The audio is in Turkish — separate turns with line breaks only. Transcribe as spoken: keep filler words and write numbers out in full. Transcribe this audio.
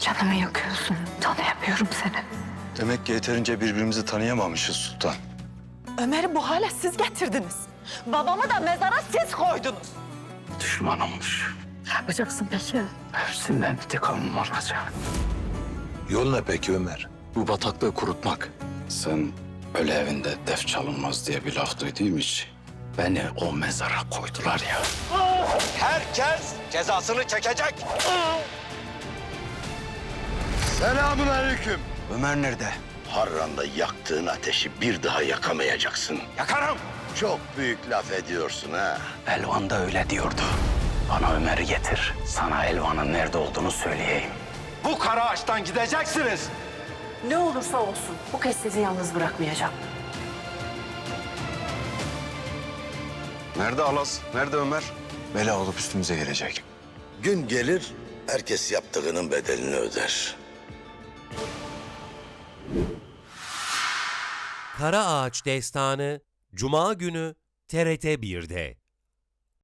Canımı yakıyorsun. Tanıyamıyorum seni.
Demek ki yeterince birbirimizi tanıyamamışız Sultan.
Ömer'i bu hale siz getirdiniz. Babamı da mezara siz koydunuz.
Düşman olmuş.
Ne yapacaksın peki?
Hepsinden intikamım olacak.
Yol ne peki Ömer?
Bu bataklığı kurutmak.
Sen öyle evinde def çalınmaz diye bir laf duyduğum için beni o mezara koydular ya.
Herkes cezasını çekecek. Selamun aleyküm.
Ömer nerede?
Harran'da yaktığın ateşi bir daha yakamayacaksın. Yakarım. Çok büyük laf ediyorsun ha.
Elvan da öyle diyordu. Bana Ömer'i getir. Sana Elvan'ın nerede olduğunu söyleyeyim.
Bu kara ağaçtan gideceksiniz.
Ne olursa olsun bu kez sizi yalnız bırakmayacağım.
Nerede Alas? Nerede Ömer? Bela olup üstümüze gelecek.
Gün gelir, herkes yaptığının bedelini öder.
Kara Ağaç Destanı Cuma günü T R T bir'de.